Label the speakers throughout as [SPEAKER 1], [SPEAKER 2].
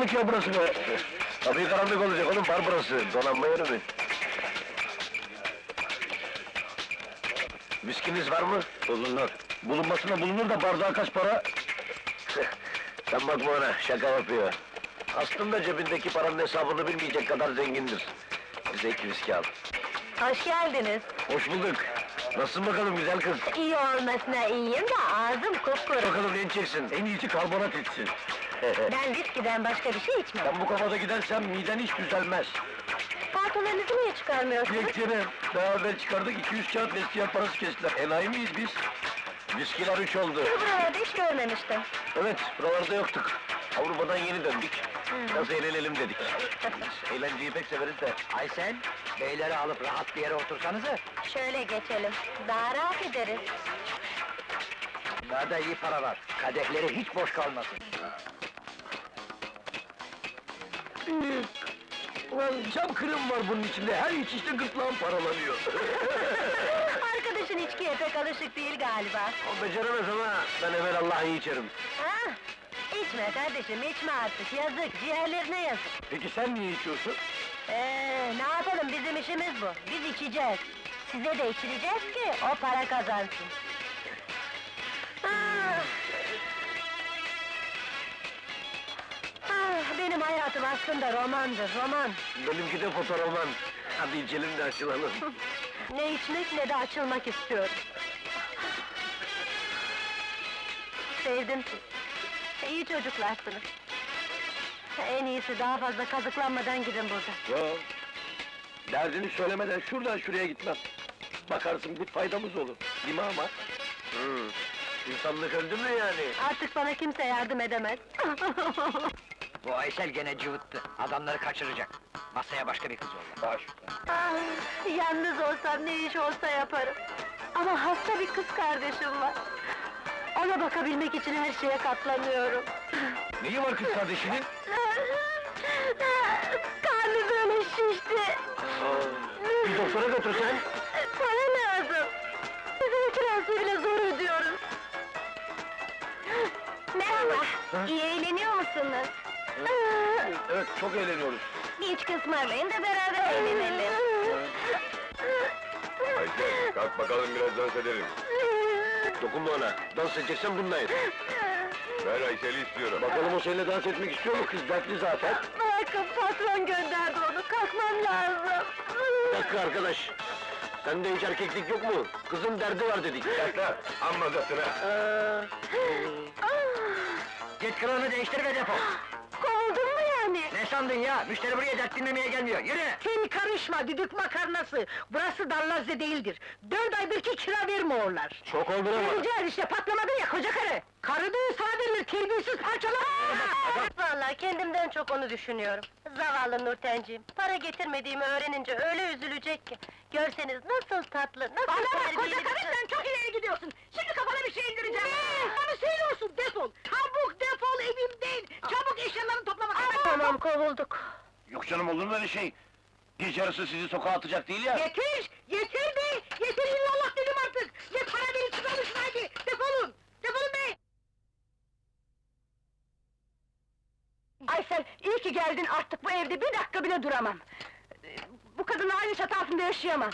[SPEAKER 1] karanlık ya burası be! Tabii karanlık olacak oğlum, bar burası, donanma yeri mi? Viskiniz var mı? Bulunur. Bulunmasına bulunur da bardağa kaç para? Sen bakma ona, şaka yapıyor. Aslında cebindeki paranın hesabını bilmeyecek kadar zengindir. Bize 2 viski al.
[SPEAKER 2] Hoş geldiniz.
[SPEAKER 1] Hoş bulduk. Nasılsın bakalım güzel kız?
[SPEAKER 2] İyi olmasına iyiyim de ağzım kupkuru.
[SPEAKER 1] Bakalım ne içeceksin? En iyisi karbonat içsin.
[SPEAKER 2] Ben viskiden başka bir şey içmem.
[SPEAKER 1] Ben bu kafada gidersem miden hiç düzelmez.
[SPEAKER 2] Paltolarınızı niye çıkarmıyorsunuz?
[SPEAKER 1] Dilekçene, daha evvel çıkardık, 200 kağıt vestiyer parası kestiler. Enayi miyiz biz? Viskiler 3 oldu.
[SPEAKER 2] Sizi buralarda hiç görmemiştim.
[SPEAKER 1] Evet, buralarda yoktuk. Avrupa'dan yeni döndük. Biraz eğlenelim dedik. Biz eğlenceyi pek severiz de.
[SPEAKER 3] Aysel, beyleri alıp rahat bir yere otursanıza.
[SPEAKER 2] Şöyle geçelim, daha rahat ederiz.
[SPEAKER 3] Bunlarda iyi para var, kadehleri hiç boş kalmasın.
[SPEAKER 1] Ulan cam kırım var bunun içinde, her içişte gırtlağım paralanıyor.
[SPEAKER 2] Arkadaşın içkiye pek alışık değil galiba.
[SPEAKER 1] O beceremez ama ben evvelallah iyi içerim.
[SPEAKER 2] Ha? İçme kardeşim, içme artık, yazık, ciğerlerine yazık.
[SPEAKER 1] Peki sen niye içiyorsun?
[SPEAKER 2] Ne yapalım, bizim işimiz bu, biz içeceğiz. Size de içireceğiz ki, o para kazansın. Ah! Benim hayatım aslında romandır, roman.
[SPEAKER 1] Benimki de fotoroman. Hadi içelim de açılalım.
[SPEAKER 2] Ne içmek ne de açılmak istiyorum. Sevdim sizi. İyi çocuklarsınız. En iyisi daha fazla kazıklanmadan gidin buradan.
[SPEAKER 1] Yo, derdini söylemeden şuradan şuraya gitmem. Bakarsın bir faydamız olur, değil mi ama? İnsanlık öldü mü yani?
[SPEAKER 2] Artık bana kimse yardım edemez.
[SPEAKER 3] Bu Aysel gene cıvıttı, adamları kaçıracak. Masaya başka bir kız yolla.
[SPEAKER 1] Baş.
[SPEAKER 2] Yalnız olsam ne iş olsa yaparım. Ama hasta bir kız kardeşim var. Ona bakabilmek için her şeye katlanıyorum.
[SPEAKER 1] Neyi var kız kardeşinin?
[SPEAKER 2] Karnı böyle şişti.
[SPEAKER 1] Bir doktora götürsen.
[SPEAKER 2] Para lazım. Bizim kirası bile zor ödüyoruz. Merhaba, iyi eğleniyor musunuz?
[SPEAKER 1] Evet, çok eğleniyoruz.
[SPEAKER 2] Hiç kısmarlayın da beraber eğlenelim.
[SPEAKER 4] Aysel, kalk bakalım biraz dans edelim.
[SPEAKER 1] Dokunma ona, dans edeceksen bununla et.
[SPEAKER 4] Ben Aysel'i istiyorum.
[SPEAKER 1] Bakalım o seninle dans etmek istiyor mu kız? Dertli zaten.
[SPEAKER 2] Bırakın, patron gönderdi onu, kalkmam lazım.
[SPEAKER 1] Bir dakika arkadaş. Sende hiç erkeklik yok mu? Kızın derdi var dedik.
[SPEAKER 4] Yakla, amma zatına.
[SPEAKER 3] Git kılığını değiştir ve defol!
[SPEAKER 2] Kovuldun mu yani?
[SPEAKER 3] Ne sandın ya? Müşteri buraya dert dinlemeye gelmiyor, yürü!
[SPEAKER 5] Sen karışma, düdük makarnası! Burası Darlazze değildir! 4 aydır ki kira vermiyorlar!
[SPEAKER 1] Çok oldu ama.
[SPEAKER 5] Rica işte, patlamadın ya koca karı! Karı düğün sana verilir, terbiyesiz parçalar!
[SPEAKER 2] Vallahi kendimden çok onu düşünüyorum. Zavallı Nurtenciğim, para getirmediğimi öğrenince öyle üzülecek ki. Görseniz nasıl tatlı, nasıl
[SPEAKER 5] Bana bak
[SPEAKER 2] terbiyeli
[SPEAKER 5] koca
[SPEAKER 2] bir
[SPEAKER 5] karı,
[SPEAKER 2] kız.
[SPEAKER 5] sen çok ileri gidiyorsun! Şimdi kafana bir şey indireceğim! Bana söylüyorsun, defol! Çabuk defol evimden! Çabuk eşyalarını toplamak!
[SPEAKER 2] Tamam, kovulduk.
[SPEAKER 1] Yok canım, olur mu öyle şey? Gece yarısı sizi sokağa atacak değil ya.
[SPEAKER 5] Yeter! Yeter be! Yeter illallah dedim artık! Ne para verip çıkarmışsın haydi! Defolun! Defolun be! Aysel, iyi ki geldin, artık bu evde bir dakika bile duramam! Bu kadınla aynı çatı altında yaşayamam!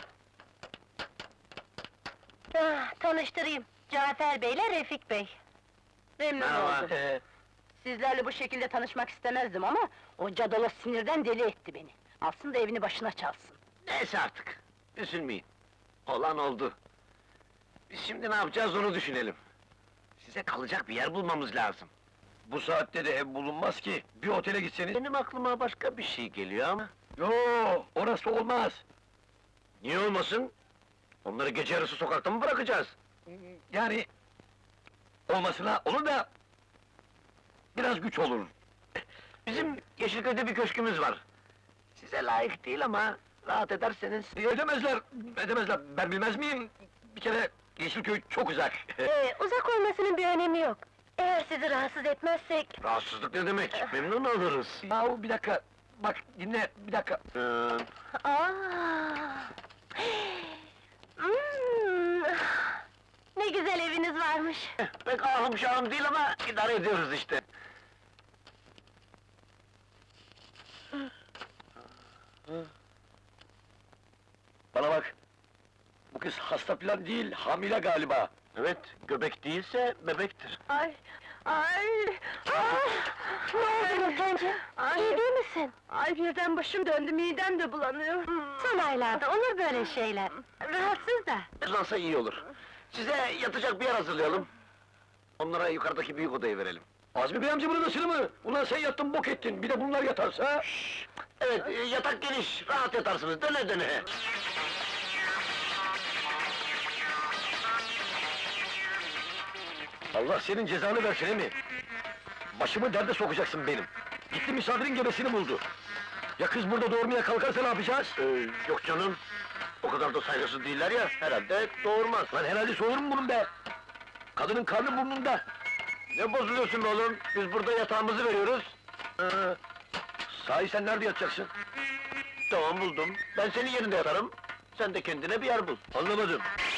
[SPEAKER 2] Tanıştırayım, Cafer Bey'le Refik Bey.
[SPEAKER 5] Memnun oldum! Sizlerle bu şekilde tanışmak istemezdim ama... ...o cadalo sinirden deli etti beni! Alsın da evini başına çalsın!
[SPEAKER 1] Neyse artık, üzülmeyin. Olan oldu. Biz şimdi ne yapacağız onu düşünelim. Size kalacak bir yer bulmamız lazım. Bu saatte de ev bulunmaz ki, bir otele gitseniz... Benim aklıma başka bir şey geliyor ama... Yo, orası olmaz! Niye olmasın? Onları gece yarısı sokakta mı bırakacağız? Yani... Olmasına olur da... Biraz güç olur. Bizim Yeşilköy'de bir köşkümüz var. Size layık değil ama... Rahat ederseniz... Edemezler, edemezler. Ben bilmez miyim? Bir kere Yeşilköy çok uzak.
[SPEAKER 2] Uzak olmasının bir önemi yok. Eğer sizi rahatsız etmezsek...
[SPEAKER 1] Rahatsızlık ne demek? Memnun oluruz. Yahu bir dakika, bak dinle, bir dakika.
[SPEAKER 2] Aa! Ne güzel eviniz varmış.
[SPEAKER 1] Pek ahım şahım değil ama idare ediyoruz işte. Bana bak! Bu kız hasta falan değil, hamile galiba. Evet, göbek değilse bebektir.
[SPEAKER 2] Ay, ay! Ne oldu Nurtenciğim? İyi değil misin? Ay birden başım döndü, midem de bulanıyor. Son aylarda olur böyle şeyler. Rahatsız da.
[SPEAKER 1] Nasılsa iyi olur. Size yatacak bir yer hazırlayalım. Onlara yukarıdaki büyük odayı verelim. Azmi Bey amca burada nasıl mı? Ulan sen yattın bok ettin, bir de bunlar yatarsa... Evet, yatak geniş, rahat yatarsınız, döne döne. Allah senin cezanı versin emi! Başımı derde sokacaksın benim! Gitti misafirin gebesini buldu! Ya kız burada doğurmaya kalkarsa ne yapacağız? Yok canım! O kadar da saygısız değiller ya, herhalde doğurmaz! Lan herhalde soğur mu bunun be? Kadının karnı burnunda! Ne bozuluyorsun be oğlum? Biz burada yatağımızı veriyoruz! Sahi sen nerede yatacaksın? Tamam buldum, ben senin yerinde yatarım! Sen de kendine bir yer bul! Anlamadım!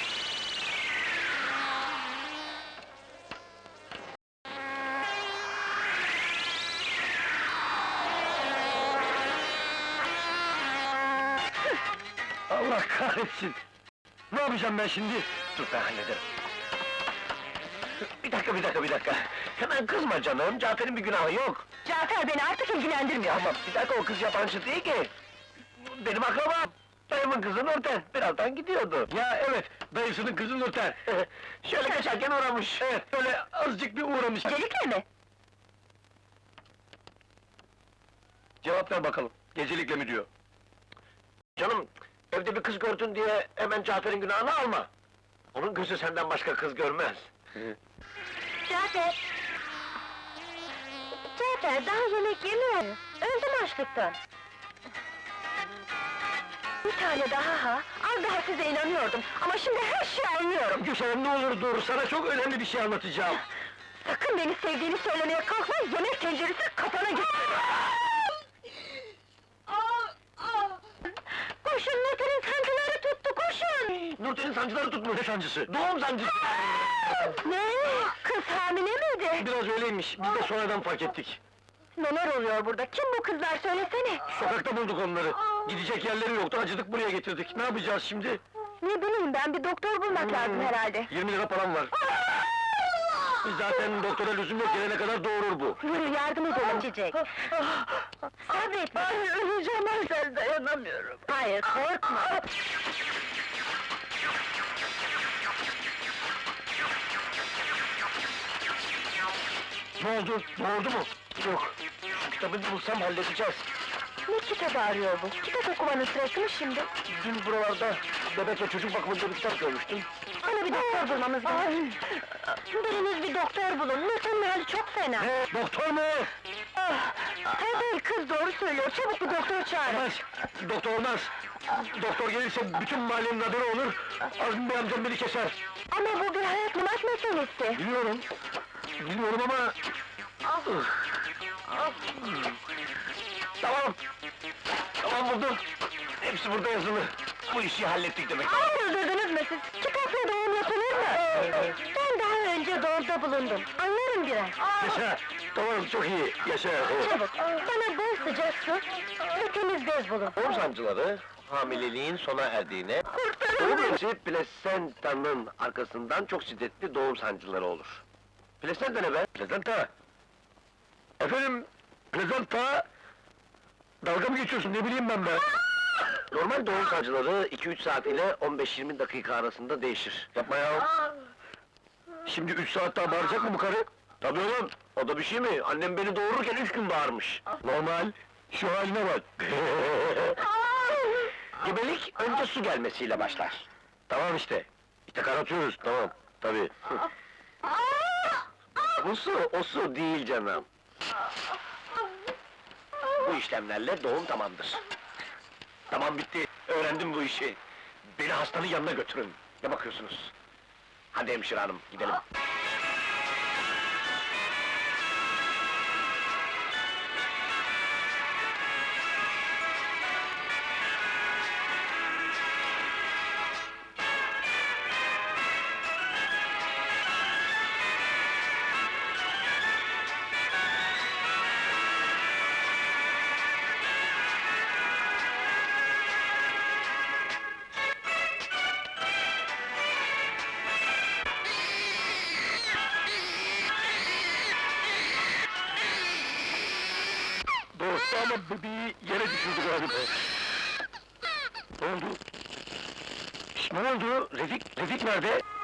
[SPEAKER 1] Allah kahretsin! Ne yapacağım ben şimdi? Dur ben hallederim. Bir dakika! Hemen kızma canım, Cafer'in bir günahı yok!
[SPEAKER 5] Cafer beni artık ilgilendirmiyor.
[SPEAKER 1] Ama bir dakika, o kız yabancı değil ki! Benim akrabam! Dayımın kızı Nurten, birazdan gidiyordu! Ya evet, dayısının kızı Nurten! Şöyle geçerken uğramış! Evet, böyle azıcık bir uğramış!
[SPEAKER 5] Gecelikle mi?
[SPEAKER 1] Cevap ver bakalım, gecelikle mi diyor? Canım, evde bir kız gördün diye hemen Cafer'in günahını alma! Onun gözü senden başka kız görmez!
[SPEAKER 2] Cafer! Cafer, daha yemek yemiyor. Öldüm açlıktan. Bir tane daha ha! Az daha size inanıyordum, ama şimdi her şeyi anlıyorum!
[SPEAKER 1] Gülşen ne olur dur, sana çok önemli bir şey anlatacağım!
[SPEAKER 2] Sakın beni sevdiğini söylemeye kalkma, yemek tenceresi kafana gitsin! Koşun, Nurten'in sancıları tuttu, koşun!
[SPEAKER 1] Nurten'in sancıları tutmuş, ne sancısı? Doğum sancısı!
[SPEAKER 2] Ne? Kız hamile miydi?
[SPEAKER 1] Biraz öyleymiş, biz de sonradan fark ettik.
[SPEAKER 2] Neler oluyor burada? Kim bu kızlar, söylesene!
[SPEAKER 1] Sokakta bulduk onları. Gidecek yerleri yoktu, acıdık buraya getirdik. Ne yapacağız şimdi?
[SPEAKER 2] Ne bileyim ben, bir doktor bulmak lazım herhalde.
[SPEAKER 1] 20 lira param var. Zaten doktora lüzum yok, gelene kadar doğurur bu.
[SPEAKER 2] Yürü, yardım edelim Çiçek! Sabret! Ay, öleceğim, ben dayanamıyorum! Hayır, korkma!
[SPEAKER 1] Ne oldu? Doğurdu mu? Yok. Şu kitabı bulsam halledeceğiz.
[SPEAKER 2] Ne kitabı arıyor bu? Kitap okumanın sırası mı şimdi?
[SPEAKER 1] Dün buralarda bebek ve çocuk bakımında bir kitap görmüştüm.
[SPEAKER 2] Bana bir doktor bulmamız lazım. Biriniz bir doktor bulun, Nurten'in hali çok fena.
[SPEAKER 1] Ne? Doktor mu?
[SPEAKER 2] Tabii, kız doğru söylüyor, çabuk bir doktor çağırın.
[SPEAKER 1] Olmaz. Doktor olmaz. Doktor gelirse bütün mahallenin haberi olur. Azmi Bey amcam beni keser.
[SPEAKER 2] Ama bu bir hayat memat meselesi.
[SPEAKER 1] Biliyorum. Biliyorum ama... Tamam. Tamam buldum. Hepsi burada yazılı. Bu işi hallettik demek.
[SPEAKER 2] Öldürdünüz mü siz? Kitapla doğum yapılır mı? Ben daha önce doğumda bulundum, anlarım biraz.
[SPEAKER 1] Yaşa. Tamam çok iyi. Yaşa.
[SPEAKER 2] Çabuk, bana bol sıcak su ve temiz bez bulun.
[SPEAKER 1] Doğum sancıları hamileliğin sona erdiğine...
[SPEAKER 2] Kurtarın
[SPEAKER 1] Doğum
[SPEAKER 2] beni!
[SPEAKER 1] öncesi plasentanın arkasından çok şiddetli doğum sancıları olur. Plasenta ne be? Plasenta! Efendim, plasenta... Dalga mı geçiyorsun, ne bileyim ben be? Normal doğum sancıları 2-3 saat ile 15-20 dakika arasında değişir. Yapma ya! Şimdi 3 saat daha bağıracak mı bu karı? Tabii oğlum, o da bir şey mi? Annem beni doğururken 3 gün bağırmış. Normal, şu haline bak! Gebelik önce su gelmesiyle başlar. Tamam işte. İşte karatıyoruz, tamam. Tabii. Bu su, o su değil canım. Bu işlemlerle doğum tamamdır. Tamam bitti, öğrendim bu işi. Beni hastanın yanına götürün. Ne bakıyorsunuz? Hadi hemşire hanım, gidelim. da bebeği yere düşürdü galiba. Ne oldu? Ne oldu? Refik nerede?